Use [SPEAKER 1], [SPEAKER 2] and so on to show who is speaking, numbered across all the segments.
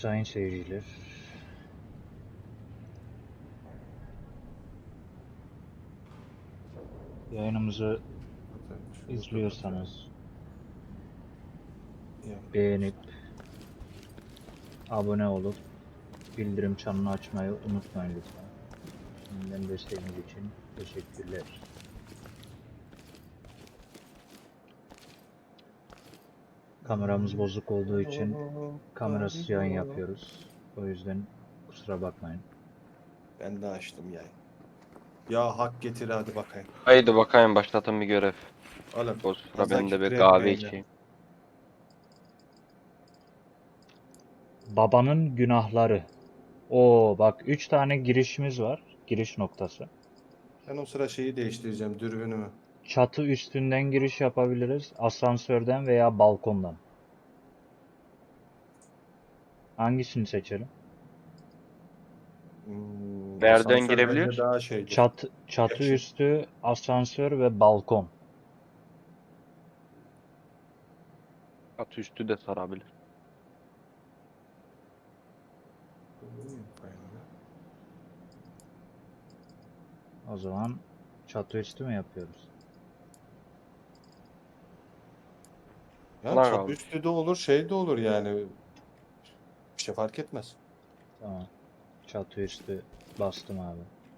[SPEAKER 1] sayın seyirciler. Yayınımızı izliyorsanız beğenip abone olup bildirim çanını açmayı unutmayın lütfen. Şimdiden desteğiniz için teşekkürler. Kameramız bozuk olduğu için kamerasız yayın yapıyoruz. O yüzden kusura bakmayın.
[SPEAKER 2] Ben de açtım yayın. Ya hak getir hadi bakayım.
[SPEAKER 3] Haydi bakayım başlatın bir görev.
[SPEAKER 2] Oğlum.
[SPEAKER 3] O sıra
[SPEAKER 2] fazla
[SPEAKER 3] ben de bir
[SPEAKER 2] küfür
[SPEAKER 3] kahve
[SPEAKER 2] etmeyin ya.
[SPEAKER 3] içeyim.
[SPEAKER 1] Babanın günahları. Oo bak 3 tane girişimiz var. Giriş noktası.
[SPEAKER 2] Ben o sıra şeyi değiştireceğim dürbünümü.
[SPEAKER 1] Çatı üstünden giriş yapabiliriz. Asansörden veya balkondan. Hangisini seçelim?
[SPEAKER 3] Nereden
[SPEAKER 2] Asansör
[SPEAKER 3] girebiliyor?
[SPEAKER 2] bence daha şeydir.
[SPEAKER 1] Çatı
[SPEAKER 2] Yakışık.
[SPEAKER 1] üstü, asansör ve balkon.
[SPEAKER 3] At üstü de sarabilir.
[SPEAKER 1] O zaman çatı üstü mü yapıyoruz?
[SPEAKER 2] Ya
[SPEAKER 3] Ulan
[SPEAKER 2] çatı
[SPEAKER 3] abi.
[SPEAKER 2] üstü de olur şey de olur yani. Bir şey fark etmez.
[SPEAKER 1] Tamam. Çatı üstü bastım abi.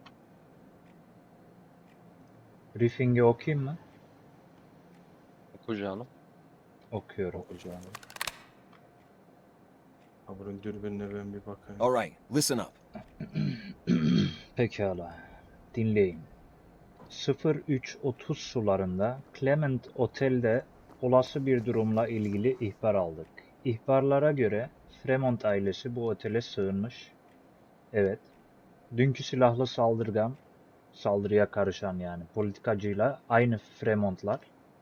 [SPEAKER 1] Briefing'i okuyayım mı?
[SPEAKER 3] Oku canım.
[SPEAKER 1] Okuyorum.
[SPEAKER 2] Okuyacağım. Ha bunun dürbününe ben bir bakayım.
[SPEAKER 4] All right, listen up.
[SPEAKER 1] Pekala. Dinleyin. 03:30 sularında Clement Otel'de olası bir durumla ilgili ihbar aldık. İhbarlara göre Fremont ailesi bu otele sığınmış. Evet. Dünkü silahlı saldırıya karışan yani politikacıyla aynı Fremontlar.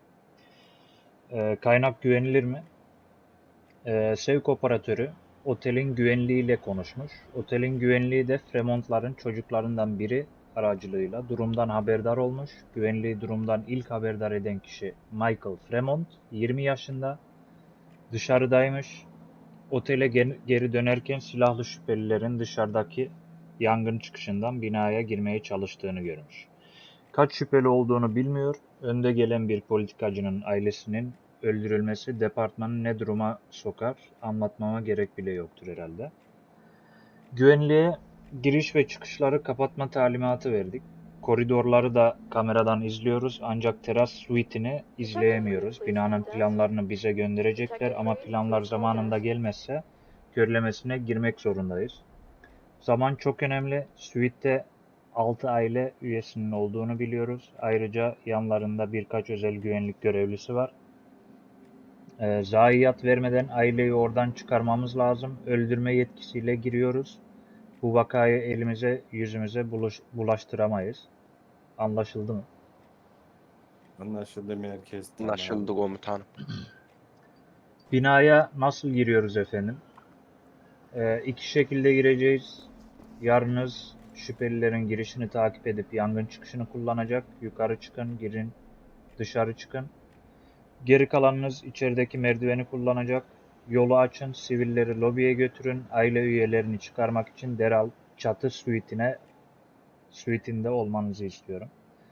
[SPEAKER 1] Kaynak güvenilir mi? Sevk operatörü otelin güvenliğiyle konuşmuş. Otelin güvenliği de Fremontların çocuklarından biri aracılığıyla durumdan haberdar olmuş. Güvenliği durumdan ilk haberdar eden kişi Michael Fremont, 20 yaşında, dışarıdaymış. Otele geri dönerken silahlı şüphelilerin dışarıdaki yangın çıkışından binaya girmeye çalıştığını görmüş. Kaç şüpheli olduğunu bilmiyor. Önde gelen bir politikacının ailesinin öldürülmesi departmanı ne duruma sokar anlatmama gerek bile yoktur herhalde. Güvenliğe giriş ve çıkışları kapatma talimatı verdik. Koridorları da kameradan izliyoruz ancak teras suite'ini izleyemiyoruz. Binanın planlarını bize gönderecekler ama planlar zamanında gelmezse görülemesine girmek zorundayız. Zaman çok önemli. Suite'de 6 aile üyesinin olduğunu biliyoruz. Ayrıca yanlarında birkaç özel güvenlik görevlisi var. Zayiat vermeden aileyi oradan çıkarmamız lazım. Öldürme yetkisiyle giriyoruz. Bu vakayı elimize yüzümüze bulaştıramayız. Anlaşıldı mı?
[SPEAKER 2] Anlaşıldı merkez.
[SPEAKER 3] Anlaşıldı komutanım.
[SPEAKER 1] Binaya nasıl giriyoruz efendim? İki şekilde gireceğiz. Yarınız şüphelilerin girişini takip edip yangın çıkışını kullanacak. Yukarı çıkın, girin, dışarı çıkın. Geri kalanınız içerideki merdiveni kullanacak. Yolu açın, sivilleri lobiye götürün. Aile üyelerini çıkarmak için derhal çatı suite'inde olmanızı istiyorum.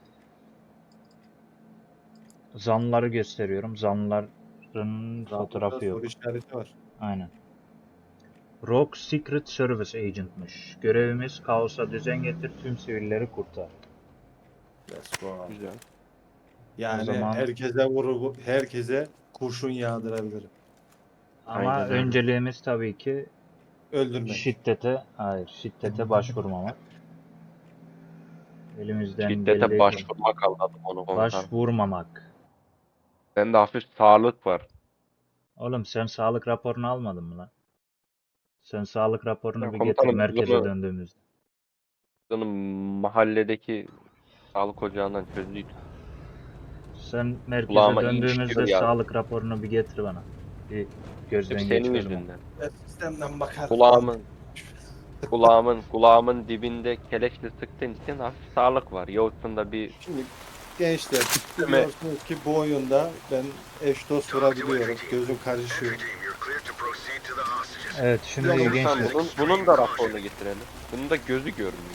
[SPEAKER 1] Zanlıları gösteriyorum. Zanlıların fotoğrafı yok.
[SPEAKER 2] Soru işareti var.
[SPEAKER 1] Aynen. Rogue Secret Service Agent'mış. Görevimiz kaosa düzen getir, tüm sivilleri kurtar.
[SPEAKER 2] Let's go.
[SPEAKER 3] Güzel.
[SPEAKER 2] Yani
[SPEAKER 1] O zaman-
[SPEAKER 2] herkese kurşun yağdırabilirim.
[SPEAKER 1] Ama
[SPEAKER 3] Aynen öyle.
[SPEAKER 1] önceliğimiz tabii ki
[SPEAKER 2] Öldürmek.
[SPEAKER 1] şiddete başvurmamak. Elimizden
[SPEAKER 3] Şiddete
[SPEAKER 1] geldiği
[SPEAKER 3] başvurmak anladım onu komutanım.
[SPEAKER 1] başvurmamak.
[SPEAKER 3] Bende hafif sağlık var.
[SPEAKER 1] Oğlum sen sağlık raporunu almadın mı lan? Sen sağlık raporunu
[SPEAKER 3] Ya
[SPEAKER 1] bir getir
[SPEAKER 3] komutanım,
[SPEAKER 1] merkeze
[SPEAKER 3] bunu-
[SPEAKER 1] döndüğümüzde.
[SPEAKER 3] Canım mahalledeki sağlık ocağından çözdük.
[SPEAKER 1] Sen merkeze
[SPEAKER 3] Kulağıma iyi
[SPEAKER 1] döndüğümüzde
[SPEAKER 3] işliyor ya.
[SPEAKER 1] sağlık raporunu bir getir bana. Bir gözden
[SPEAKER 3] Hep senin
[SPEAKER 1] geçirelim.
[SPEAKER 3] yüzünden.
[SPEAKER 2] Sistemden bakar.
[SPEAKER 3] Kulağımın dibinde keleşle sıktığın için hafif sağlık var. Yoksa bir
[SPEAKER 2] Şimdi gençler biliyorsunuz ki bu oyunda ben eş dost vurabiliyorum. Gözüm karışıyor.
[SPEAKER 5] Entry team, you're cleared to proceed to the hostage
[SPEAKER 1] Evet şimdi
[SPEAKER 2] Ya
[SPEAKER 1] iyi
[SPEAKER 3] Tamam,
[SPEAKER 1] gençler.
[SPEAKER 3] bunun da raporunu getirelim. Bunun da gözü görmüyor.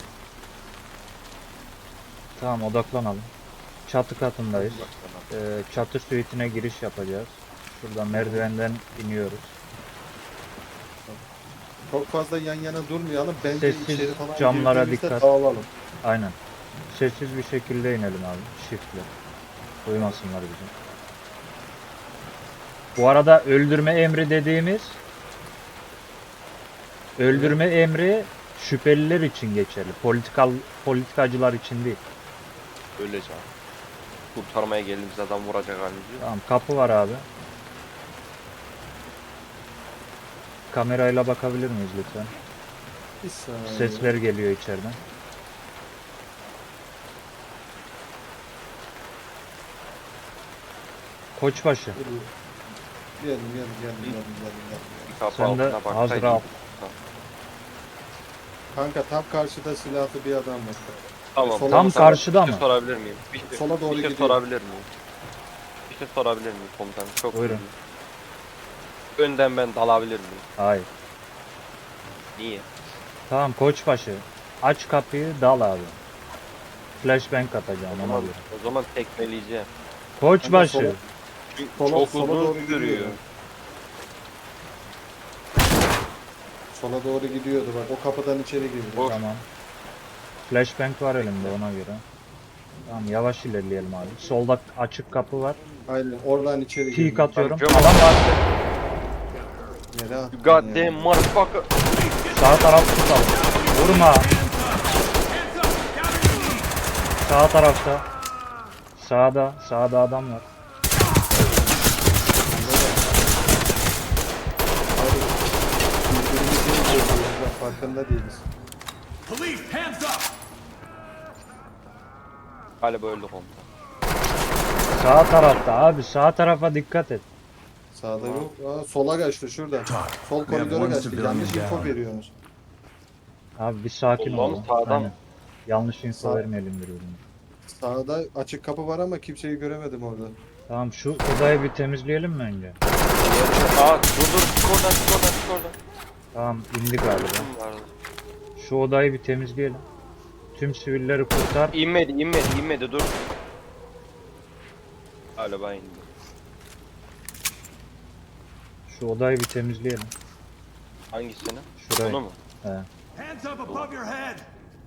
[SPEAKER 1] Tamam odaklanalım. Çatı katındayız. Çatı suite'ine giriş yapacağız. Şuradan merdivenden iniyoruz.
[SPEAKER 2] Çok fazla yan yana durmayalım. Bence
[SPEAKER 1] Sessiz
[SPEAKER 2] içeri falan
[SPEAKER 1] camlara
[SPEAKER 2] girdiğimizde
[SPEAKER 1] dikkat.
[SPEAKER 2] dağılalım.
[SPEAKER 1] Aynen. Sessiz bir şekilde inelim abi. Shift'le. Duymasınlar bizi. Bu arada öldürme emri dediğimiz öldürme emri şüpheliler için geçerli. Politikacılar için değil.
[SPEAKER 3] Öyle canım. Kurtarmaya geldiğimiz adam vuracak halimiz yok.
[SPEAKER 1] Tamam kapı var abi. Kamerayla bakabilir miyiz lütfen?
[SPEAKER 2] Bir saniye.
[SPEAKER 1] Sesler geliyor içeriden. Koçbaşı.
[SPEAKER 2] Geldim.
[SPEAKER 3] Bir kapı
[SPEAKER 1] Sen de
[SPEAKER 3] altına baksa
[SPEAKER 1] hazır
[SPEAKER 3] iyi.
[SPEAKER 1] al.
[SPEAKER 2] Kanka tam karşıda silahlı bir adam var.
[SPEAKER 3] Tamam.
[SPEAKER 2] Sola
[SPEAKER 1] Tam
[SPEAKER 2] mı,
[SPEAKER 1] karşıda
[SPEAKER 3] Bir şey
[SPEAKER 1] mı?
[SPEAKER 3] sorabilir miyim?
[SPEAKER 2] Sola doğru
[SPEAKER 3] bir şey
[SPEAKER 2] gidiyor.
[SPEAKER 3] sorabilir miyim? Bir şey sorabilir miyim komutanım? Çok
[SPEAKER 1] Buyurun.
[SPEAKER 3] özür dilerim. Önden ben dalabilir miyim?
[SPEAKER 1] Hayır.
[SPEAKER 3] Niye?
[SPEAKER 1] Tamam koçbaşı. Aç kapıyı dal abi. Flashbang atacağım
[SPEAKER 3] O
[SPEAKER 1] ona
[SPEAKER 3] zaman,
[SPEAKER 1] göre.
[SPEAKER 3] o zaman tekmeleyeceğim.
[SPEAKER 1] Koçbaşı.
[SPEAKER 2] Sola-
[SPEAKER 3] Çünkü
[SPEAKER 2] Sola-
[SPEAKER 3] çok
[SPEAKER 2] sola doğru
[SPEAKER 3] uzun
[SPEAKER 2] gidiyor.
[SPEAKER 3] sürüyor.
[SPEAKER 2] Sola doğru gidiyordu bak. O kapıdan içeri girdi.
[SPEAKER 3] O-
[SPEAKER 1] Tamam. Flashbang var elimde ona göre. Tamam yavaş ilerleyelim abi. Solda açık kapı var.
[SPEAKER 2] Aynen oradan içeri girdi.
[SPEAKER 1] Peek atıyorum.
[SPEAKER 3] Tamam,
[SPEAKER 1] Adam var.
[SPEAKER 2] Yere attın
[SPEAKER 3] God
[SPEAKER 2] ya.
[SPEAKER 3] damn motherfucker.
[SPEAKER 1] Sağ taraf tutalım. Vurma. Sağ tarafta. Sağda adam var.
[SPEAKER 2] Abi, birbirimizi öldürüyoruz, bak, farkında değiliz.
[SPEAKER 4] Police, hands up!
[SPEAKER 3] Galiba öldü komutan.
[SPEAKER 1] Sağ tarafta abi. Sağ tarafa dikkat et.
[SPEAKER 2] Sağda yok. Aa, sola kaçtı şurada. Sol koridora kaçtı. Yanlış info veriyorsunuz.
[SPEAKER 1] Abi bir sakin
[SPEAKER 3] Soldan
[SPEAKER 1] ol.
[SPEAKER 3] mı, sağdan
[SPEAKER 1] Aynen.
[SPEAKER 3] mı?
[SPEAKER 1] Yanlış info
[SPEAKER 2] Sağ-
[SPEAKER 1] vermeyelim birbirine.
[SPEAKER 2] Sağda açık kapı var ama kimseyi göremedim orada.
[SPEAKER 1] Tamam şu odayı bir temizleyelim mi önce?
[SPEAKER 3] Aa dur çık oradan.
[SPEAKER 1] Tamam indik galiba.
[SPEAKER 3] Kim vardı?
[SPEAKER 1] Şu odayı bir temizleyelim. Tüm sivilleri kurtar.
[SPEAKER 3] İnmedi dur. Galiba indi.
[SPEAKER 1] Şu odayı bir temizleyelim.
[SPEAKER 3] Hangisini?
[SPEAKER 1] Şurayı.
[SPEAKER 3] Bunu mu?
[SPEAKER 1] He.
[SPEAKER 4] Hands up above your head!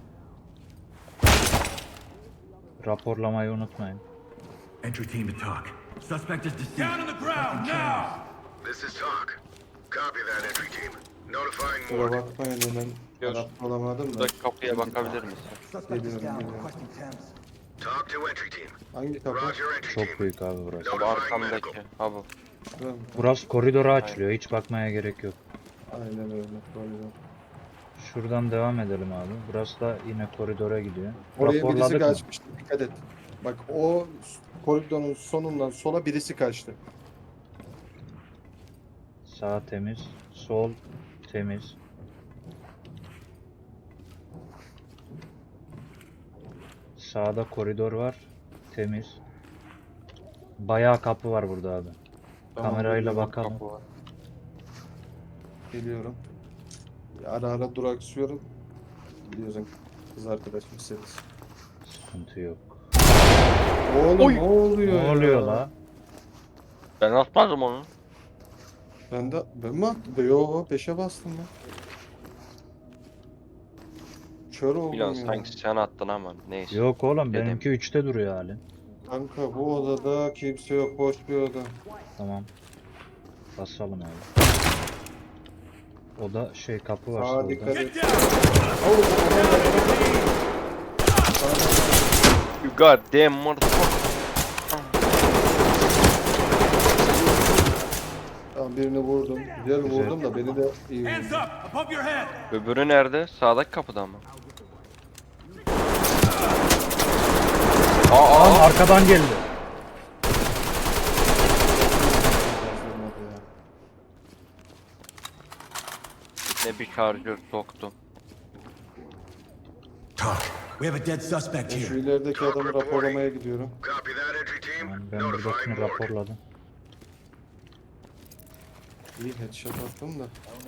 [SPEAKER 1] Raporlamayı unutmayın.
[SPEAKER 5] Entry team to talk. Suspect is deceased.
[SPEAKER 4] Down on the ground, now!
[SPEAKER 6] This is talk. Copy that entry team. Notifying
[SPEAKER 2] Kusura
[SPEAKER 6] morgue.
[SPEAKER 2] bakmayın hemen
[SPEAKER 3] Yok.
[SPEAKER 2] adapte olamadım da.
[SPEAKER 3] Buradaki kapıya bakabilir misin?
[SPEAKER 2] Geliyorum.
[SPEAKER 6] Talk to entry team.
[SPEAKER 2] Hangi kapı?
[SPEAKER 6] Roger entry
[SPEAKER 1] Çok
[SPEAKER 6] team.
[SPEAKER 1] büyük abi burası.
[SPEAKER 3] Bu
[SPEAKER 6] Notifying
[SPEAKER 3] arkamdaki.
[SPEAKER 6] medical.
[SPEAKER 3] Ha bu.
[SPEAKER 2] Şurada mı?
[SPEAKER 1] Burası koridora açılıyor. Hiç bakmaya gerek yok.
[SPEAKER 2] Aynen öyle. Koridor.
[SPEAKER 1] Şuradan devam edelim abi. Burası da yine koridora gidiyor.
[SPEAKER 2] Oraya birisi
[SPEAKER 1] Raporladık mı?
[SPEAKER 2] kaçmıştı. Dikkat et. Bak o koridorun sonundan sola birisi kaçtı.
[SPEAKER 1] Sağ temiz. Sol temiz. Sağda koridor var. Temiz. Bayağı kapı var burada abi. Kamerayla
[SPEAKER 2] geliyorum.
[SPEAKER 1] bakalım.
[SPEAKER 3] Kapı var.
[SPEAKER 2] Geliyorum. Ara ara duraksıyorum. Biliyorsun kız arkadaşım misiniz?
[SPEAKER 1] Sıkıntı yok.
[SPEAKER 2] Oğlum
[SPEAKER 3] Oy!
[SPEAKER 2] ne oluyor
[SPEAKER 1] Ne
[SPEAKER 2] ya?
[SPEAKER 1] oluyor la?
[SPEAKER 3] Ben atmadım onu.
[SPEAKER 2] Ben mi attım? Yo 5'e bastım ben. Kör oldum
[SPEAKER 3] Bilan
[SPEAKER 2] ya.
[SPEAKER 3] sanki sen attın ama neyse.
[SPEAKER 1] Yok oğlum
[SPEAKER 3] Dedim.
[SPEAKER 1] benimki 3'te duruyor hali.
[SPEAKER 2] Kanka bu odada kimse yok, boş bir oda.
[SPEAKER 1] Tamam. Basalım abi. Oda şey kapı var
[SPEAKER 2] Sağa
[SPEAKER 1] solda.
[SPEAKER 2] dikkat et.
[SPEAKER 4] Get down!
[SPEAKER 3] You god damn motherfucker.
[SPEAKER 2] Tamam birini vurdum. Güzel
[SPEAKER 1] Güzel.
[SPEAKER 2] vurdum da beni de iyi
[SPEAKER 4] Hands
[SPEAKER 2] vurdu.
[SPEAKER 4] up above your head!
[SPEAKER 3] Öbürü nerede? Sağdaki kapıda mı?
[SPEAKER 1] Lan arkadan geldi.
[SPEAKER 2] Vurmadı ya.
[SPEAKER 3] Ne bir şarjör soktum.
[SPEAKER 5] Talk. We have a dead suspect
[SPEAKER 2] Ben şu
[SPEAKER 5] here.
[SPEAKER 2] ilerideki adamı raporlamaya gidiyorum.
[SPEAKER 6] Copy that entry team.
[SPEAKER 1] Tamam, ben buradakini
[SPEAKER 6] Notifying morgue.
[SPEAKER 1] raporladım.
[SPEAKER 2] İyi headshot attım da.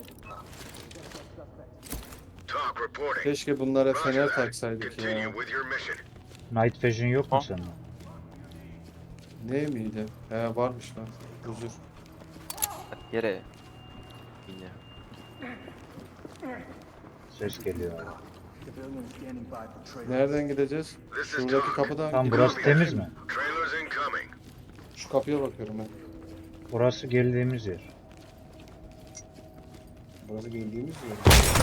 [SPEAKER 6] Talk reporting.
[SPEAKER 2] Keşke bunlara
[SPEAKER 6] Roger
[SPEAKER 2] fener
[SPEAKER 6] that.
[SPEAKER 2] taksaydık
[SPEAKER 6] Continue
[SPEAKER 2] ya.
[SPEAKER 6] with your mission.
[SPEAKER 1] Night Vision yok mu
[SPEAKER 3] Ha?
[SPEAKER 1] sende?
[SPEAKER 2] Ne miydi? He varmış lan. Huzur.
[SPEAKER 3] Yere. Yine.
[SPEAKER 1] Ses geliyor abi.
[SPEAKER 2] Nereden gideceğiz?
[SPEAKER 6] This is
[SPEAKER 2] Şuradaki
[SPEAKER 6] Talk.
[SPEAKER 2] kapıdan
[SPEAKER 1] Tam
[SPEAKER 2] gidiyoruz.
[SPEAKER 1] burası temiz mi?
[SPEAKER 6] Trailers incoming.
[SPEAKER 2] Şu kapıya bakıyorum ben.
[SPEAKER 1] Burası geldiğimiz yer.
[SPEAKER 2] Burası geldiğimiz yer.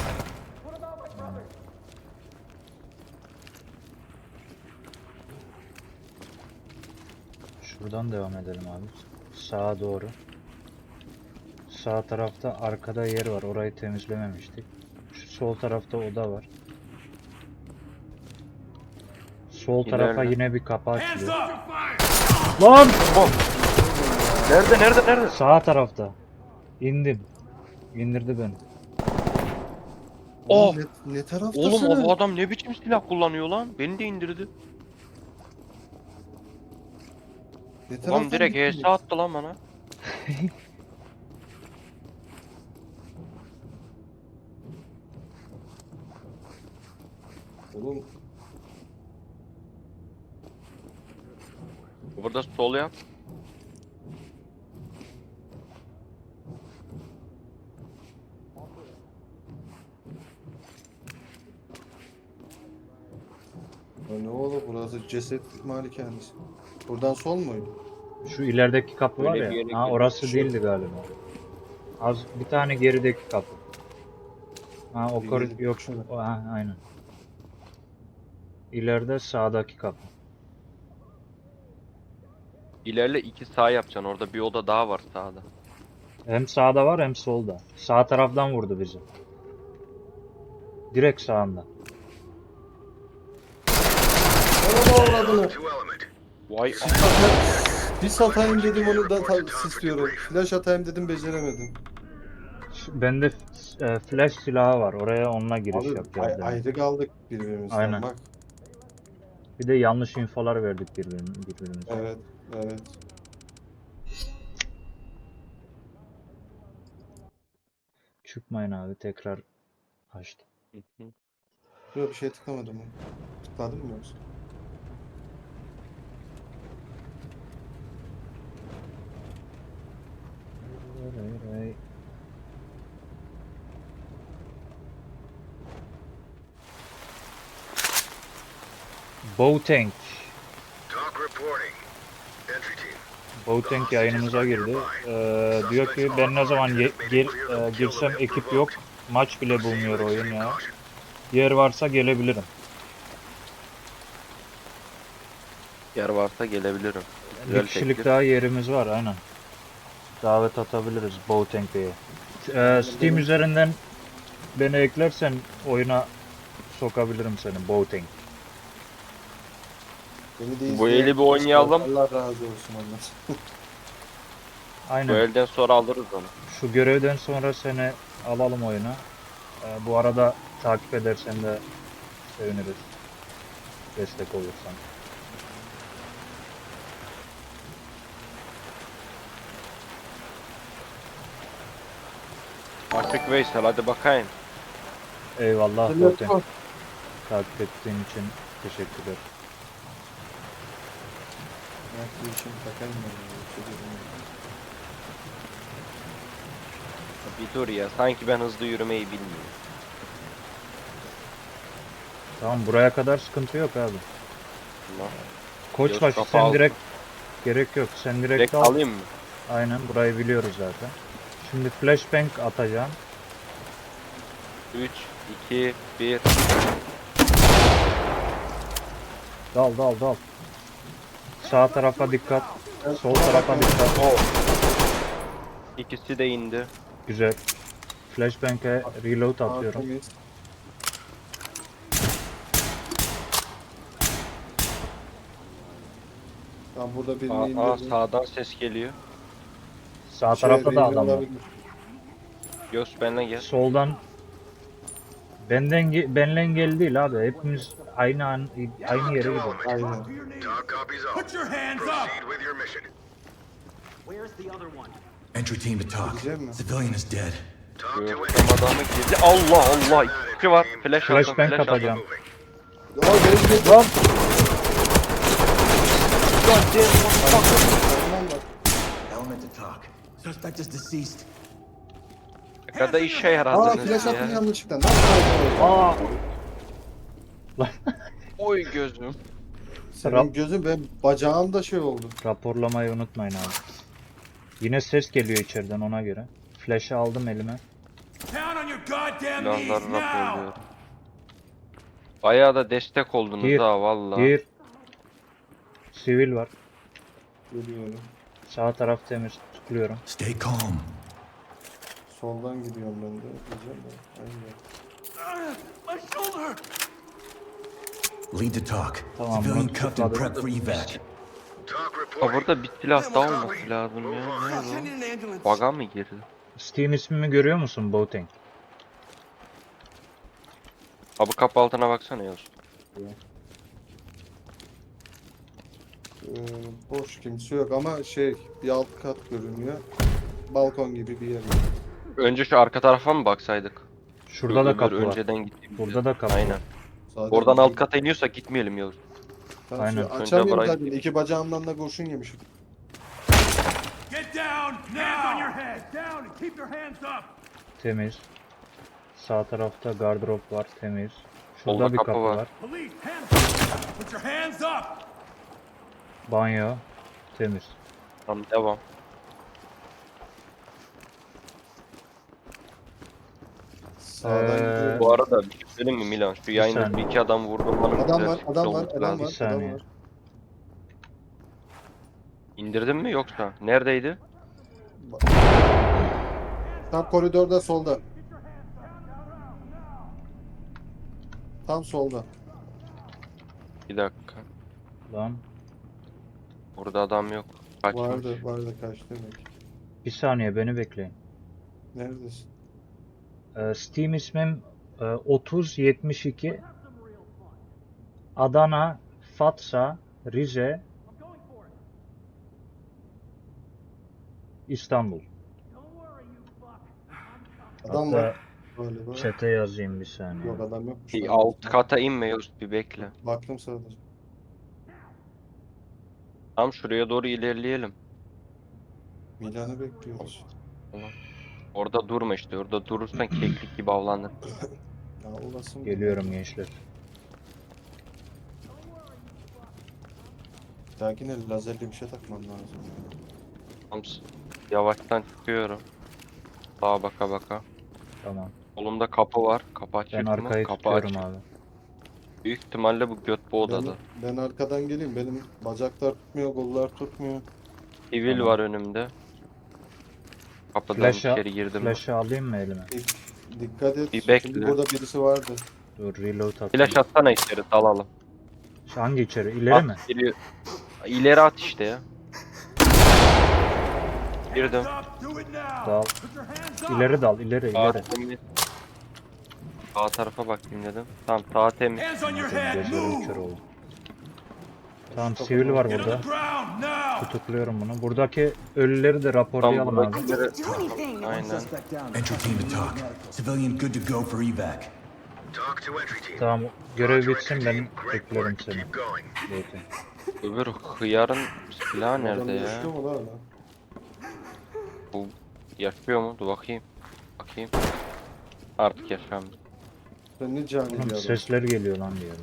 [SPEAKER 1] Şuradan devam edelim abi. Sağa doğru. Sağ tarafta arkada yer var. Orayı temizlememiştik. Şu sol tarafta oda var. Sol tarafa
[SPEAKER 3] İlerle.
[SPEAKER 1] yine bir kapı
[SPEAKER 4] Hands
[SPEAKER 1] açılıyor.
[SPEAKER 4] up!
[SPEAKER 1] Lan!
[SPEAKER 3] Nerede?
[SPEAKER 1] Sağ tarafta. İndim. İndirdi beni.
[SPEAKER 3] Oh!
[SPEAKER 2] Ne taraftasın?
[SPEAKER 3] Oğlum o adam ne biçim silah kullanıyor lan? Beni de indirdi.
[SPEAKER 2] Ne
[SPEAKER 3] Adam
[SPEAKER 2] taraftan
[SPEAKER 3] direkt
[SPEAKER 2] gittin?
[SPEAKER 3] HS attı lan bana.
[SPEAKER 2] Oğlum
[SPEAKER 3] Burada sol yap.
[SPEAKER 2] ya ne oldu burası ceset malikanesi. Buradan sol muydu?
[SPEAKER 1] Şu ilerideki kapı var
[SPEAKER 3] Öyle bir yere
[SPEAKER 1] ya. Ha
[SPEAKER 3] girmiş.
[SPEAKER 1] orası değildi galiba. Az bir tane gerideki kapı. Ha o
[SPEAKER 2] İleri-
[SPEAKER 1] yok.
[SPEAKER 2] şurada.
[SPEAKER 1] Ha aynen. İleride sağdaki kapı.
[SPEAKER 3] İlerle 2 sağ yapacaksın. Orada bir oda daha var sağda.
[SPEAKER 1] Hem sağda var hem solda. Sağ taraftan vurdu bizi. Direkt sağında.
[SPEAKER 2] Bana avradını.
[SPEAKER 6] To element.
[SPEAKER 3] Vay
[SPEAKER 2] Bir satayım dedim onu da istiyorum. Flash atayım dedim beceremedim.
[SPEAKER 1] Bende flash silahı var. Oraya onunla giriş
[SPEAKER 2] Abi
[SPEAKER 1] yapacağız. demek.
[SPEAKER 2] ayrı kaldık birbirimizden
[SPEAKER 1] Aynen.
[SPEAKER 2] bak.
[SPEAKER 1] Bir de yanlış infolar verdik birbirimize.
[SPEAKER 2] Evet, evet.
[SPEAKER 1] Çıkmayın abi, tekrar açtım.
[SPEAKER 2] Yok bir şey tıklamadım ben. Tıkladım mı yoksa?
[SPEAKER 1] Boateng.
[SPEAKER 6] Talk reporting. Entry team.
[SPEAKER 1] Boateng yayınımıza girdi. Diyor ki ben ne zaman girsem ekip yok. Maç bile bulmuyor oyun ya. Yer varsa gelebilirim.
[SPEAKER 3] yer varsa gelebilirim.
[SPEAKER 1] Bir
[SPEAKER 3] Güzel
[SPEAKER 1] kişilik
[SPEAKER 3] teklif.
[SPEAKER 1] daha yerimiz var aynen. Davet atabiliriz Boateng Bey'e. Steam üzerinden beni eklersen oyuna sokabilirim seni Boateng.
[SPEAKER 2] Beni de
[SPEAKER 3] Bu
[SPEAKER 2] izleyen
[SPEAKER 3] eli bir oynayalım.
[SPEAKER 2] Allah razı olsun onlar.
[SPEAKER 3] Bu
[SPEAKER 1] Aynen.
[SPEAKER 3] elden sonra alırız onu.
[SPEAKER 1] Şu görevden sonra seni alalım oyuna. Bu arada takip edersen de seviniriz. Destek olursan.
[SPEAKER 3] Artık Veysel hadi bakayım.
[SPEAKER 1] Eyvallah Boateng. Takip ettiğin için teşekkürler.
[SPEAKER 2] Ben işimi takayım ben.
[SPEAKER 3] Bir dur ya sanki ben hızlı yürümeyi bilmiyorum.
[SPEAKER 1] Tamam, buraya kadar sıkıntı yok abi.
[SPEAKER 3] Tamam.
[SPEAKER 1] Koçbaşı
[SPEAKER 3] kafa
[SPEAKER 1] sen
[SPEAKER 3] al.
[SPEAKER 1] direkt gerek yok. Sen direkt
[SPEAKER 3] Direkt
[SPEAKER 1] al.
[SPEAKER 3] alayım mı?
[SPEAKER 1] Aynen, burayı biliyoruz zaten. Şimdi flashbang atacağım.
[SPEAKER 3] 3, 2, 1.
[SPEAKER 1] Dal. Sağ tarafa dikkat. Sol tarafa dikkat.
[SPEAKER 3] İkisi de indi.
[SPEAKER 1] Güzel. Flashbang'e reload atıyorum.
[SPEAKER 2] Temiz. Tamam burada birini indirdim.
[SPEAKER 3] Sağdan ses geliyor.
[SPEAKER 1] Sağ tarafta da
[SPEAKER 2] birini
[SPEAKER 1] adam var.
[SPEAKER 2] alabilir.
[SPEAKER 3] Göz benimle gel.
[SPEAKER 1] Soldan benden geldi değil abi. Hepimiz aynı yere
[SPEAKER 6] To
[SPEAKER 1] gidiyoruz.
[SPEAKER 6] element.
[SPEAKER 2] Aynen.
[SPEAKER 4] To your knees.
[SPEAKER 6] Talk copies all.
[SPEAKER 4] Put your hands up!
[SPEAKER 6] Proceed with your mission.
[SPEAKER 7] Where's the other one?
[SPEAKER 5] Entry team to talk.
[SPEAKER 2] Gideceğim mi?
[SPEAKER 5] Civilian is dead.
[SPEAKER 6] Talk to entry
[SPEAKER 3] Gördüm adamı girdi. Allah Allah. İki var. Flash
[SPEAKER 1] Flash
[SPEAKER 3] attım.
[SPEAKER 1] ben
[SPEAKER 3] Flash attım.
[SPEAKER 1] kapacağım.
[SPEAKER 6] moving.
[SPEAKER 2] Ya benim bir
[SPEAKER 1] Lan!
[SPEAKER 2] Tamam bak.
[SPEAKER 5] Element to talk. Suspect is deceased.
[SPEAKER 3] Ne kadar işe
[SPEAKER 2] Aa
[SPEAKER 3] yaradınız
[SPEAKER 2] flash attım
[SPEAKER 3] ya.
[SPEAKER 2] yanlışlıkla. Nasıl oldu?
[SPEAKER 1] Aa! Lan
[SPEAKER 3] Oy gözüm.
[SPEAKER 2] Senin gözün benim bacağımda şey oldu.
[SPEAKER 1] raporlamayı unutmayın abi. Yine ses geliyor içeriden ona göre. Flash'ı aldım elime.
[SPEAKER 4] Down on your goddamn knees
[SPEAKER 3] Silahları
[SPEAKER 4] now!
[SPEAKER 3] raporluyor. Bayağı da destek oldunuz
[SPEAKER 1] Gir,
[SPEAKER 3] ha valla.
[SPEAKER 1] Gir. Sivil var.
[SPEAKER 2] Geliyorum.
[SPEAKER 1] Sağ taraf temiz. Tıklıyorum.
[SPEAKER 5] Stay calm.
[SPEAKER 2] Soldan gidiyorum ben de. Diyeceğim de. Aynen.
[SPEAKER 4] My shoulder!
[SPEAKER 5] Lead to talk.
[SPEAKER 1] Tamam,
[SPEAKER 5] Civilian
[SPEAKER 1] bunu
[SPEAKER 5] cuffed and
[SPEAKER 1] tutukladım.
[SPEAKER 5] prepped for evac.
[SPEAKER 6] Talk
[SPEAKER 3] Ha
[SPEAKER 6] reporting.
[SPEAKER 3] burada bir silah daha olması lazım ya. Nerede o? Baga mı girdi?
[SPEAKER 1] Steam ismimi görüyor musun Boateng?
[SPEAKER 3] Abi kapı altına baksana Yavuz.
[SPEAKER 2] Boş kimse yok ama şey bir alt kat görünüyor. Balkon gibi bir yer.
[SPEAKER 3] Önce şu arka tarafa mı baksaydık?
[SPEAKER 1] Şurada da
[SPEAKER 3] Öbür
[SPEAKER 1] kapı var.
[SPEAKER 3] önceden gittiğimiz
[SPEAKER 1] Burada
[SPEAKER 3] yer.
[SPEAKER 1] da kapı
[SPEAKER 3] Aynen.
[SPEAKER 1] var.
[SPEAKER 2] Zaten
[SPEAKER 3] Oradan alt kata iniyorsak gitmeyelim Yavuz.
[SPEAKER 2] Ben
[SPEAKER 1] Aynen.
[SPEAKER 2] şey açamıyorum
[SPEAKER 3] burayı-
[SPEAKER 2] zaten. İki bacağımdan da kurşun yemişim.
[SPEAKER 4] Get down now! Hands on your head! Down and keep your hands up!
[SPEAKER 1] Temiz. Sağ tarafta gardırop var. Temiz.
[SPEAKER 3] Solda
[SPEAKER 1] Şurada bir
[SPEAKER 3] kapı
[SPEAKER 1] kapı
[SPEAKER 3] var.
[SPEAKER 1] var.
[SPEAKER 4] Police, hands up! Put your hands up!
[SPEAKER 1] Banyo. Temiz.
[SPEAKER 3] Tamam devam.
[SPEAKER 2] Sağdan gidiyorum.
[SPEAKER 3] Bu arada bir şey söyleyeyim mi Milan? Şu yayında
[SPEAKER 1] saniye.
[SPEAKER 3] bir iki adam vurdum bana.
[SPEAKER 2] Adam
[SPEAKER 3] güzel
[SPEAKER 2] var,
[SPEAKER 3] sürpriz
[SPEAKER 2] adam var,
[SPEAKER 3] olması
[SPEAKER 2] adam
[SPEAKER 3] lazım.
[SPEAKER 2] var,
[SPEAKER 1] Bir saniye.
[SPEAKER 2] adam var.
[SPEAKER 3] İndirdin mi yoksa? Neredeydi?
[SPEAKER 2] Tam koridorda solda. Tam solda.
[SPEAKER 3] Bir dakika.
[SPEAKER 1] Lan.
[SPEAKER 3] Burada adam yok. Kaçmış.
[SPEAKER 2] Vardı kaç demek.
[SPEAKER 1] Bir saniye beni bekleyin.
[SPEAKER 2] Neredesin?
[SPEAKER 1] Steam ismim 3072 Adana, Fatsa, Rize, İstanbul.
[SPEAKER 2] Adam
[SPEAKER 1] Hatta
[SPEAKER 2] var. Böyle böyle.
[SPEAKER 1] chat'e yazayım bir saniye.
[SPEAKER 2] Yok adam yok.
[SPEAKER 3] Bir alt kata inme Yavuz bir bekle.
[SPEAKER 2] Baktım sadece.
[SPEAKER 3] Tam şuraya doğru ilerleyelim.
[SPEAKER 2] Milan'ı bekliyoruz.
[SPEAKER 3] Orada durma işte. Orada durursan keklik gibi avlanır.
[SPEAKER 2] Ya olasın.
[SPEAKER 1] Geliyorum gençler.
[SPEAKER 2] Lakin lazerli bir şey takmam lazım.
[SPEAKER 3] Tam yavaştan çıkıyorum. Sağa baka baka.
[SPEAKER 1] Tamam.
[SPEAKER 3] Solumda kapı var. Kapı
[SPEAKER 1] Ben
[SPEAKER 3] açık mı?
[SPEAKER 1] arkayı
[SPEAKER 3] Kapı
[SPEAKER 1] tutuyorum
[SPEAKER 3] açık.
[SPEAKER 1] abi.
[SPEAKER 3] Büyük ihtimalle bu göt bu odada.
[SPEAKER 2] Ben arkadan geleyim. Benim bacaklar tutmuyor, kollar tutmuyor.
[SPEAKER 3] Sivil
[SPEAKER 1] Tamam.
[SPEAKER 3] var önümde. Kapıdan
[SPEAKER 1] Flash'a
[SPEAKER 3] içeri girdim.
[SPEAKER 1] flash'ı alayım mı elime?
[SPEAKER 2] Dikkat et.
[SPEAKER 3] Bir bekle.
[SPEAKER 2] Şimdi burada birisi vardı.
[SPEAKER 1] Dur reload atayım.
[SPEAKER 3] Flash atsana içeri dalalım.
[SPEAKER 1] Şu hangi içeri? İleri
[SPEAKER 3] At,
[SPEAKER 1] mi?
[SPEAKER 3] İleri at işte ya. Girdim.
[SPEAKER 4] Hands up! Do it now!
[SPEAKER 1] Dal.
[SPEAKER 4] Put your hands up!
[SPEAKER 1] İleri dal, ileri,
[SPEAKER 3] Sağ
[SPEAKER 1] ileri.
[SPEAKER 3] temiz. Sağ tarafa bakayım dedim. Tamam sağ temiz.
[SPEAKER 4] Hands on your head!
[SPEAKER 1] Gözlerim kör
[SPEAKER 4] Move!
[SPEAKER 1] oldu. Tamam sivil var
[SPEAKER 4] Get on
[SPEAKER 1] burada.
[SPEAKER 4] the ground now!
[SPEAKER 1] Tutukluyorum bunu. Buradaki ölüleri de raporlayalım abi.
[SPEAKER 3] buradakileri...
[SPEAKER 7] Do anything.
[SPEAKER 3] Aynen.
[SPEAKER 5] Entry team to talk. Civilian good to go for evac.
[SPEAKER 6] Talk to entry team.
[SPEAKER 1] Tamam görev
[SPEAKER 6] Talk to
[SPEAKER 1] bitsin
[SPEAKER 6] entry
[SPEAKER 1] ben
[SPEAKER 6] team. Great
[SPEAKER 1] beklerim
[SPEAKER 6] work.
[SPEAKER 1] seni.
[SPEAKER 6] Keep going.
[SPEAKER 1] Zaten.
[SPEAKER 3] Öbür hıyarın silahı nerede
[SPEAKER 2] Adam
[SPEAKER 3] ya?
[SPEAKER 2] yaşıyor mu lan?
[SPEAKER 3] Bu yaşıyor mu? Dur bakayım. Bakayım. Artık yaşamıyor.
[SPEAKER 2] Sen ne cani bir
[SPEAKER 1] Oğlum
[SPEAKER 2] adam.
[SPEAKER 1] sesler geliyor lan diyorum.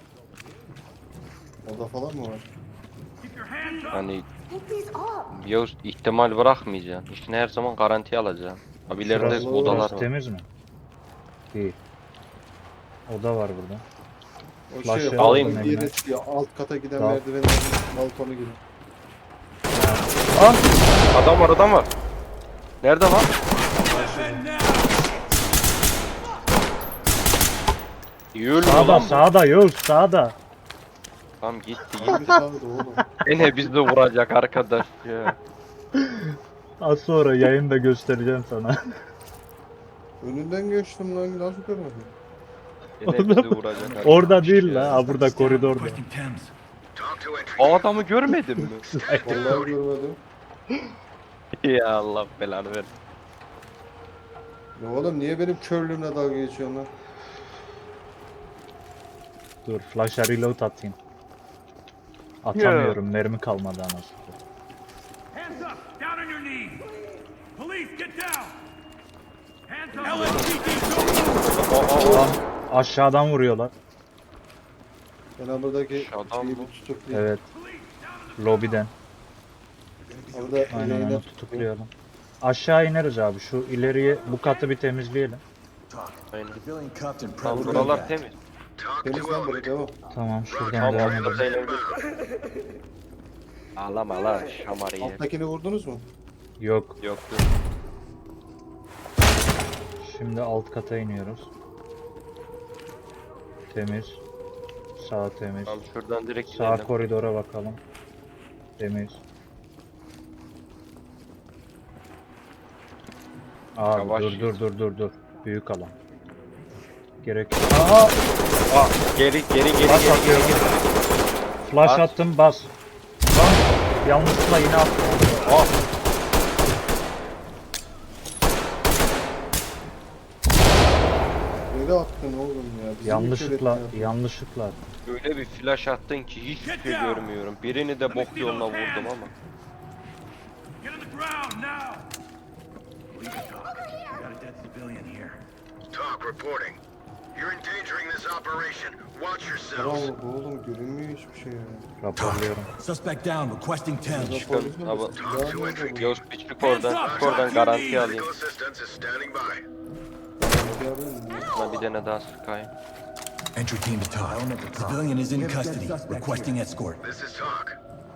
[SPEAKER 2] Oda falan mı var?
[SPEAKER 4] Keep your hands up!
[SPEAKER 3] Hani
[SPEAKER 7] Pick these up.
[SPEAKER 3] Yavuz ihtimal bırakmayacaksın. İşini her zaman garantiye alacaksın. Abi ileride
[SPEAKER 1] Şurası,
[SPEAKER 3] odalar
[SPEAKER 1] burası
[SPEAKER 3] var.
[SPEAKER 1] temiz mi? Değil. Oda var burada.
[SPEAKER 2] O
[SPEAKER 1] Flash'ı
[SPEAKER 2] şey
[SPEAKER 3] alayım
[SPEAKER 2] alayım.
[SPEAKER 1] eline.
[SPEAKER 2] Yere çıkıyor. Alt kata giden
[SPEAKER 1] Dal.
[SPEAKER 2] merdivenlerin balkonu gibi.
[SPEAKER 3] Adam var adam var. Nerede lan?
[SPEAKER 4] Weapon now!
[SPEAKER 3] Yürü
[SPEAKER 1] Sağda,
[SPEAKER 3] lan bu.
[SPEAKER 1] sağda, yok sağda.
[SPEAKER 3] Tamam gitti
[SPEAKER 2] Hangi
[SPEAKER 3] gitti.
[SPEAKER 2] sağda oğlum?
[SPEAKER 3] Gene bizi de vuracak arkadaş ya.
[SPEAKER 1] Az sonra yayında göstereceğim sana.
[SPEAKER 2] Önünden geçtim lan nasıl görmedim?
[SPEAKER 3] Gene bizi vuracak arkadaş.
[SPEAKER 1] Orada değil
[SPEAKER 3] ya.
[SPEAKER 1] la, ha burada koridorda.
[SPEAKER 5] Requesting Thames.
[SPEAKER 6] Talk to entry
[SPEAKER 3] O
[SPEAKER 6] team.
[SPEAKER 3] adamı görmedin mi?
[SPEAKER 2] Vallahi görmedim.
[SPEAKER 3] Ya Allah belanı ver.
[SPEAKER 2] Ya oğlum niye benim körlüğümle dalga geçiyorsun lan?
[SPEAKER 1] Dur flash'a reload atayım. Atamıyorum. Mermi kalmadı anasını.
[SPEAKER 4] Hands up! Down on your knees! Police, get down! Hands up! LSPD, don't move!
[SPEAKER 1] Lan aşağıdan vuruyorlar.
[SPEAKER 2] Ben buradaki
[SPEAKER 3] Aşağıdan
[SPEAKER 2] şeyi
[SPEAKER 3] mı?
[SPEAKER 2] bir tutuklayayım.
[SPEAKER 1] Evet.
[SPEAKER 4] Police, down on the
[SPEAKER 1] Lobiden.
[SPEAKER 2] Orada
[SPEAKER 1] Aynen
[SPEAKER 2] ileğine
[SPEAKER 1] onu
[SPEAKER 2] tutuklayayım.
[SPEAKER 1] tutuklayalım. Aşağı ineriz abi. Şu ileriye bu katı bir temizleyelim.
[SPEAKER 3] Aynen.
[SPEAKER 5] Civilian cuffed and
[SPEAKER 3] Tamam
[SPEAKER 5] prepped.
[SPEAKER 3] buralar temiz.
[SPEAKER 6] Talk
[SPEAKER 2] Temiz
[SPEAKER 6] to
[SPEAKER 2] lan buraya
[SPEAKER 6] element.
[SPEAKER 2] devam.
[SPEAKER 1] Tamam şuradan
[SPEAKER 3] Tamam
[SPEAKER 1] devam
[SPEAKER 3] orada
[SPEAKER 1] edelim.
[SPEAKER 3] zeynep. Ağlama lan şamar yer.
[SPEAKER 2] Alttakini vurdunuz mu?
[SPEAKER 1] Yok.
[SPEAKER 3] Yok yok.
[SPEAKER 1] Şimdi alt kata iniyoruz. Temiz. Sağ temiz.
[SPEAKER 3] Tamam şuradan direkt
[SPEAKER 1] Sağ
[SPEAKER 3] inelim.
[SPEAKER 1] koridora bakalım. Temiz. Abi
[SPEAKER 3] Yavaş
[SPEAKER 1] dur. Büyük alan. Gerek yok. Aha!
[SPEAKER 3] Geri
[SPEAKER 1] Bas atıyorum. Flash
[SPEAKER 3] Bas.
[SPEAKER 1] attım bas. Lan yanlışlıkla yine attım.
[SPEAKER 3] Ah.
[SPEAKER 2] Nereye attın oğlum ya? Bizi mi
[SPEAKER 1] Yanlışlıkla
[SPEAKER 2] kör ettin ya?
[SPEAKER 1] yanlışlıkla.
[SPEAKER 3] Öyle bir flash attın ki hiçbir şey görmüyorum. Birini de bok yoluna vurdum ama.
[SPEAKER 4] Get on the ground now! Got a dead civilian here.
[SPEAKER 6] Talk reporting. You're endangering this operation. Watch
[SPEAKER 2] Bravo
[SPEAKER 6] yourselves.
[SPEAKER 2] oğlum görünmüyor hiçbir şey ya.
[SPEAKER 1] Raporluyorum.
[SPEAKER 5] Suspect down, requesting 10.
[SPEAKER 2] Rapor
[SPEAKER 3] Çıkın,
[SPEAKER 2] bizim
[SPEAKER 3] ama-
[SPEAKER 2] de silahı nerede bu?
[SPEAKER 3] Göz bir çık oradan. Çık oradan garanti alayım.
[SPEAKER 6] Medical assistance is standing by.
[SPEAKER 3] Şuna bir tane daha sıkayım.
[SPEAKER 5] Entry team to talk. Civilian is in custody, requesting escort.
[SPEAKER 6] This is talk.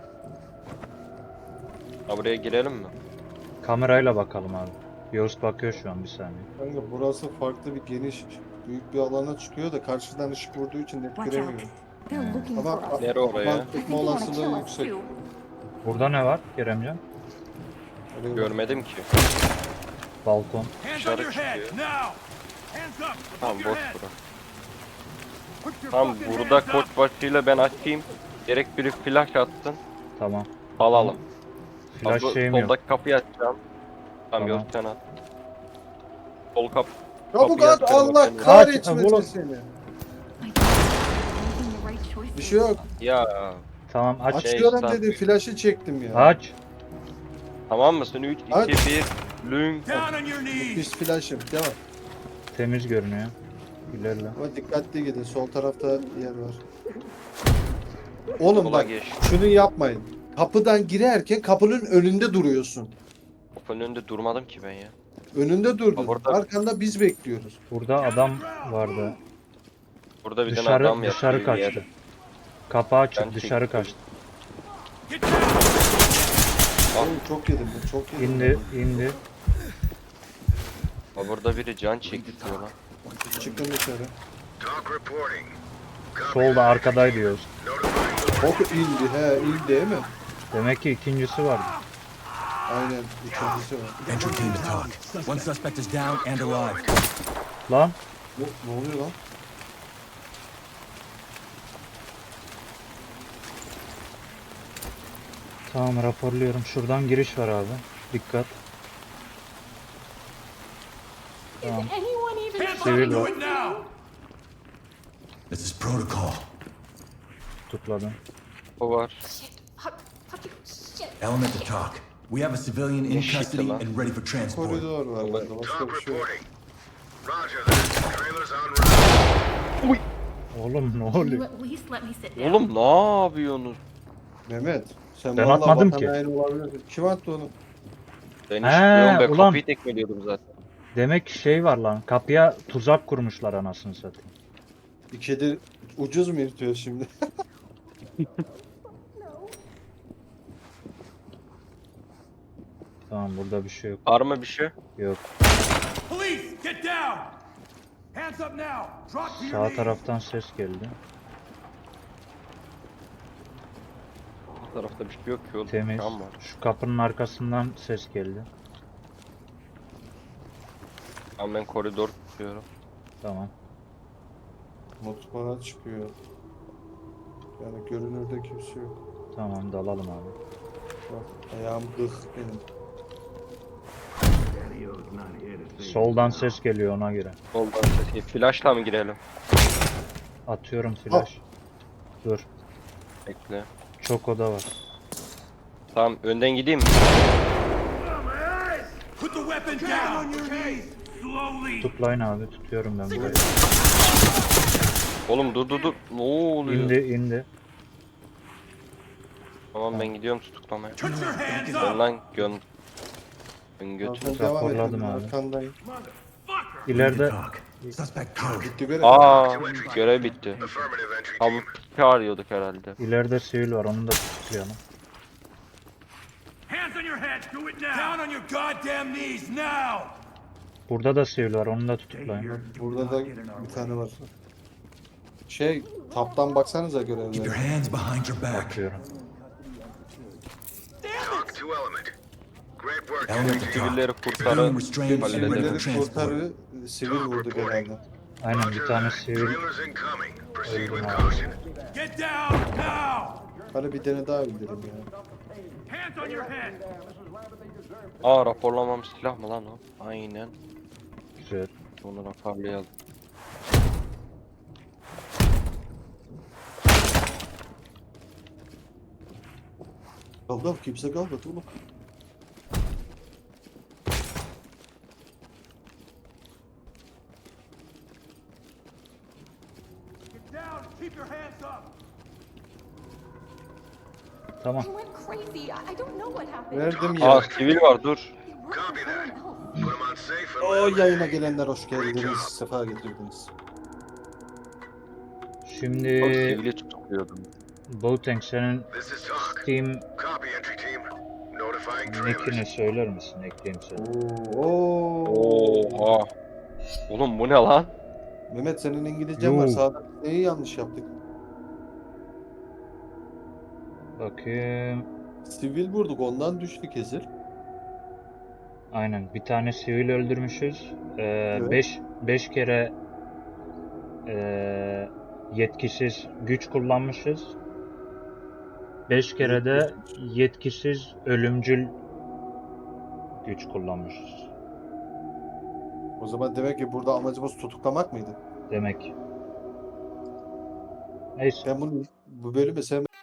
[SPEAKER 3] Ha buraya girelim mi?
[SPEAKER 1] Kamerayla bakalım abi. Yost bakıyor şu an bir saniye.
[SPEAKER 2] Kanka burası farklı bir geniş, büyük bir alana çıkıyor da karşıdan ışık vurduğu için net
[SPEAKER 7] Watch out.
[SPEAKER 2] göremiyorum.
[SPEAKER 7] They're looking
[SPEAKER 2] Ama
[SPEAKER 7] for us.
[SPEAKER 3] Nere oraya?
[SPEAKER 2] Aman
[SPEAKER 7] They think
[SPEAKER 2] tutma
[SPEAKER 7] they want to kill
[SPEAKER 2] olasılığı
[SPEAKER 7] us
[SPEAKER 2] yüksek.
[SPEAKER 7] too.
[SPEAKER 1] Burada ne var Keremcan?
[SPEAKER 2] Öyle bir-
[SPEAKER 3] Görmedim ki.
[SPEAKER 1] Balkon.
[SPEAKER 4] Hands on
[SPEAKER 3] Dışarı
[SPEAKER 4] your head,
[SPEAKER 3] çıkıyor.
[SPEAKER 4] now! Hands up!
[SPEAKER 3] Tamam
[SPEAKER 4] Above your
[SPEAKER 3] boş
[SPEAKER 4] head!
[SPEAKER 3] bura.
[SPEAKER 4] Put your
[SPEAKER 3] Tamam
[SPEAKER 4] fucking
[SPEAKER 3] burada
[SPEAKER 4] hands
[SPEAKER 3] koç
[SPEAKER 4] up!
[SPEAKER 3] başıyla ben açayım. Gerek biri flash atsın.
[SPEAKER 1] Tamam.
[SPEAKER 3] Alalım.
[SPEAKER 1] Flash
[SPEAKER 3] Abi,
[SPEAKER 1] şeyim yok.
[SPEAKER 3] soldaki kapıyı açacağım. Tamam
[SPEAKER 1] Tamam.
[SPEAKER 3] yok sen at. Sol kap.
[SPEAKER 2] Çabuk
[SPEAKER 3] kapıyı
[SPEAKER 2] at
[SPEAKER 3] açıyorum
[SPEAKER 2] Allah
[SPEAKER 3] ben.
[SPEAKER 2] kahretmesin
[SPEAKER 1] oğlum.
[SPEAKER 2] seni.
[SPEAKER 7] I guess making the right choices.
[SPEAKER 2] Bir şey yok.
[SPEAKER 3] Ya
[SPEAKER 1] Tamam aç.
[SPEAKER 2] Açıyorum
[SPEAKER 3] stop.
[SPEAKER 2] dedim flaşı çektim ya.
[SPEAKER 1] Aç.
[SPEAKER 3] tamam mısın? 3,
[SPEAKER 2] Aç.
[SPEAKER 3] 2, 1. Lünk.
[SPEAKER 4] Down on your knees!
[SPEAKER 2] Pis flaşım devam.
[SPEAKER 1] Temiz görünüyor. İlerle.
[SPEAKER 2] Ama dikkatli gidin sol tarafta yer var. Oğlum
[SPEAKER 3] Sola
[SPEAKER 2] bak
[SPEAKER 3] geç.
[SPEAKER 2] şunu yapmayın. Kapıdan girerken kapının önünde duruyorsun.
[SPEAKER 3] Kapının önünde durmadım ki ben ya.
[SPEAKER 2] Önünde durdun.
[SPEAKER 3] Ha, burada-
[SPEAKER 2] Arkanda biz bekliyoruz.
[SPEAKER 1] Burada adam vardı.
[SPEAKER 3] Burada bir tane adam
[SPEAKER 1] Dışarı
[SPEAKER 3] yatıyor bir
[SPEAKER 1] kaçtı.
[SPEAKER 3] yere.
[SPEAKER 1] Kapı açık
[SPEAKER 3] Ben
[SPEAKER 1] dışarı
[SPEAKER 3] çektim.
[SPEAKER 1] kaçtı.
[SPEAKER 4] Get down!
[SPEAKER 2] Oğlum çok yedim bu çok yedim.
[SPEAKER 1] İndi.
[SPEAKER 3] Ha, burada biri can çekti lan.
[SPEAKER 2] Çıkın dışarı.
[SPEAKER 6] Talk reporting. Copy
[SPEAKER 1] Solda
[SPEAKER 6] that.
[SPEAKER 1] arkadaydı Yost.
[SPEAKER 6] Notifying
[SPEAKER 2] Ok indi he indi değil mi?
[SPEAKER 1] Demek ki ikincisi vardı.
[SPEAKER 2] Aynen ikincisi var.
[SPEAKER 5] Entry team to talk. One suspect is down and alive.
[SPEAKER 1] Lan
[SPEAKER 2] Ne oluyor lan?
[SPEAKER 1] tamam raporluyorum. Şuradan giriş var abi. Dikkat. Tamam.
[SPEAKER 7] Anyone even
[SPEAKER 4] Hands up
[SPEAKER 1] Civil
[SPEAKER 4] and do
[SPEAKER 1] var.
[SPEAKER 4] it now!
[SPEAKER 5] This is protocol.
[SPEAKER 1] Tutukladım.
[SPEAKER 3] O var.
[SPEAKER 7] fucking shit?
[SPEAKER 5] Element to talk. We have a civilian in
[SPEAKER 3] Eşit
[SPEAKER 5] custody
[SPEAKER 3] lan.
[SPEAKER 5] and ready for transport.
[SPEAKER 2] Koridor var burada başka
[SPEAKER 6] Talk
[SPEAKER 2] bir şey yok.
[SPEAKER 6] reporting. Roger that. Trailers en route.
[SPEAKER 1] Oğlum ne
[SPEAKER 7] Can you
[SPEAKER 1] oluyor?
[SPEAKER 7] at least let me sit down?
[SPEAKER 3] Oğlum ne yapıyorsunuz?
[SPEAKER 2] Mehmet sen
[SPEAKER 1] Ben
[SPEAKER 2] vallahi
[SPEAKER 1] atmadım
[SPEAKER 2] vatan
[SPEAKER 1] ki.
[SPEAKER 2] haini olabilirsin. Kim attı onu?
[SPEAKER 3] Ben
[SPEAKER 1] He,
[SPEAKER 3] hiç bilmiyorum ben
[SPEAKER 1] ulan.
[SPEAKER 3] kapıyı tekmeliyordum zaten.
[SPEAKER 1] Demek ki şey var lan. Kapıya tuzak kurmuşlar anasını satayım.
[SPEAKER 2] Bir kedi ucuz mu yırtıyor şimdi?
[SPEAKER 1] Tamam burada bir şey yok.
[SPEAKER 3] Var mı bir şey?
[SPEAKER 1] Yok.
[SPEAKER 4] Police, get down! Hands up now! Drop to your
[SPEAKER 1] Sağ
[SPEAKER 4] knees!
[SPEAKER 1] taraftan ses geldi.
[SPEAKER 3] Bu tarafta bir şey yok ki oğlum.
[SPEAKER 1] Temiz.
[SPEAKER 3] Cam var.
[SPEAKER 1] Şu kapının arkasından ses geldi.
[SPEAKER 3] Tamam ben koridor tutuyorum.
[SPEAKER 1] Tamam.
[SPEAKER 2] Mutfağa çıkıyor. Yani görünürde kimse yok.
[SPEAKER 1] Tamam dalalım abi.
[SPEAKER 2] Bak ayağım gıh benim.
[SPEAKER 1] Soldan ses geliyor ona göre.
[SPEAKER 3] Soldan sesi. Flash'la mı girelim?
[SPEAKER 1] Atıyorum flash. Dur.
[SPEAKER 3] Bekle.
[SPEAKER 1] Çok oda var.
[SPEAKER 3] Tamam önden gideyim mi?
[SPEAKER 4] Put the weapon down on your knees. Slowly.
[SPEAKER 1] Tutlayın abi, tutuyorum ben burayı.
[SPEAKER 3] Oğlum dur. Ne oluyor?
[SPEAKER 1] İndi.
[SPEAKER 3] Tamam ben gidiyorum tutuklamaya.
[SPEAKER 4] Put your hands
[SPEAKER 3] Ben
[SPEAKER 4] up.
[SPEAKER 3] lan götür.
[SPEAKER 2] Arkadan devam et.
[SPEAKER 1] Raporladım
[SPEAKER 2] Ben
[SPEAKER 1] abi.
[SPEAKER 2] arkandayım.
[SPEAKER 4] Motherfucker.
[SPEAKER 1] İleride
[SPEAKER 5] Talk. Suspect code.
[SPEAKER 2] Bitti görev.
[SPEAKER 3] Aa görev bitti.
[SPEAKER 6] Affirmative entry
[SPEAKER 3] Abi
[SPEAKER 6] team.
[SPEAKER 3] çağırıyorduk herhalde.
[SPEAKER 1] ileride sivil var, onu da tutuklayalım.
[SPEAKER 4] Hands on your head. Do it now. Down on your goddamn knees now.
[SPEAKER 1] Burada da sivil var, onu da tutuklayın.
[SPEAKER 2] Burada da bir tane var. Taptan baksanıza
[SPEAKER 5] Keep your
[SPEAKER 2] görevlere.
[SPEAKER 5] hands behind your back.
[SPEAKER 1] Bakıyorum.
[SPEAKER 6] Talk to element. Great work,
[SPEAKER 5] Element
[SPEAKER 6] entry
[SPEAKER 5] to
[SPEAKER 6] team.
[SPEAKER 3] Sivilleri
[SPEAKER 5] talk.
[SPEAKER 3] kurtarın.
[SPEAKER 5] Civilian restrained for
[SPEAKER 3] Halledelim.
[SPEAKER 5] illegal
[SPEAKER 2] Sivilleri
[SPEAKER 5] transport.
[SPEAKER 2] kurtarı, sivil vurduk herhalde.
[SPEAKER 1] Aynen, bir
[SPEAKER 6] Roger
[SPEAKER 1] tane
[SPEAKER 6] that.
[SPEAKER 1] sivil
[SPEAKER 6] Trailers incoming. Proceed
[SPEAKER 1] öldüm
[SPEAKER 6] with
[SPEAKER 1] abi.
[SPEAKER 6] caution.
[SPEAKER 4] Get down now.
[SPEAKER 2] Hadi bir tane daha indirelim ya.
[SPEAKER 4] Hands on your head.
[SPEAKER 3] Aa raporlamam silah mı lan o? Aynen.
[SPEAKER 1] Güzel.
[SPEAKER 3] Bunu raporlayalım.
[SPEAKER 2] Kaldı kimse kalmadı oğlum.
[SPEAKER 4] Get down. Keep your hands up.
[SPEAKER 1] Tamam.
[SPEAKER 7] I went crazy. I don't know what happened.
[SPEAKER 2] Verdim
[SPEAKER 3] Aa
[SPEAKER 2] ya.
[SPEAKER 3] sivil var dur.
[SPEAKER 7] It worked
[SPEAKER 6] Copy
[SPEAKER 7] for
[SPEAKER 6] that.
[SPEAKER 7] someone else.
[SPEAKER 6] Put them on safe and
[SPEAKER 2] O
[SPEAKER 6] let
[SPEAKER 2] yayına gelenler hoş geldiniz. Sefa getirdiniz.
[SPEAKER 3] Bak
[SPEAKER 1] Şimdi
[SPEAKER 3] sivili tutukluyordum.
[SPEAKER 1] Boateng, senin
[SPEAKER 6] This is talk.
[SPEAKER 1] Steam
[SPEAKER 6] Copy entry team. Notifying
[SPEAKER 1] nickini
[SPEAKER 6] trailers.
[SPEAKER 1] söyler misin? Ekleyeyim seni.
[SPEAKER 2] Oo.
[SPEAKER 3] Oha. Oğlum bu ne lan?
[SPEAKER 2] Mehmet senin İngilizcen var.
[SPEAKER 1] Yo.
[SPEAKER 2] Sağda neyi yanlış yaptık?
[SPEAKER 1] Bakayım.
[SPEAKER 2] Sivil vurduk ondan düştü kesir.
[SPEAKER 1] Aynen. Bir tane sivil öldürmüşüz.
[SPEAKER 2] Evet.
[SPEAKER 1] 5 kere yetkisiz güç kullanmışız. 5 kere de yetkisiz ölümcül güç kullanmışız.
[SPEAKER 2] O zaman demek ki burada amacımız tutuklamak mıydı?
[SPEAKER 1] Demek. Neyse.
[SPEAKER 2] Ben bu bölümü sevmedim.